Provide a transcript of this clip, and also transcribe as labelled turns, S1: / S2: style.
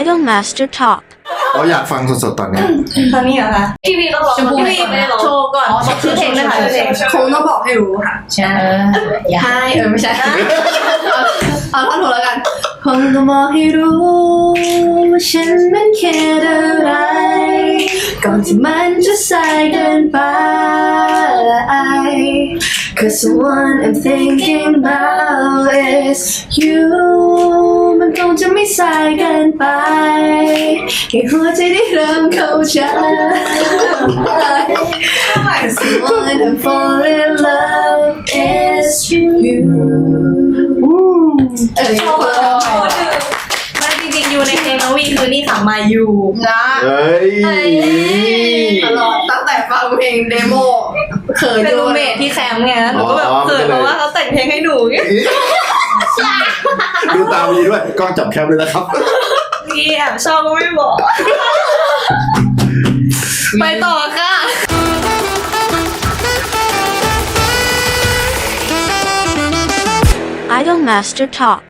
S1: Idol Master Talk
S2: เราอยากฟังสดๆตอนนี้
S3: ตอนนี้เหรอคะ
S4: พี่วีต้องร้อง
S3: พี่วีไม่ได้ร้องโชว์ก่อนบอกชื่อเพลงนะคะชื่อเพลงคงต้องบอกให้รู้ค่ะใช่ใช่ไม่ใช่เอาท่อนถูกแล้วกันคงต้องบอกให้รู้ว่าฉันมันแค่อะไรก่อนที่มันจะสายเกินไป Cause the one I'm thinking about is you มันคงจะไม่สายเกินไปให้หัวใจได้เริ่มเข้าใจ Cause the one I'm falling in love is you
S4: ชอบมาจริงๆอยู่ในเพลงน้องวีคือนี่ค่ะมาอยู่
S3: นะ
S2: เฮ้ย
S3: ตลอดตั้งแต่ฟังเพลงเดโมเขิน
S4: เป็น
S3: ดู
S4: รูเมทที่แคมป์ไงหนูก็แบบเขินเพราะว่าเขาแต่งเพลงให้หนูไง
S2: ดูตามนี้ด้วยกล้องจับแคปเลยนะครับ
S4: พี่แอบชอบก็ไม่บอกไปต่อค่ะ
S1: Idol Master Talk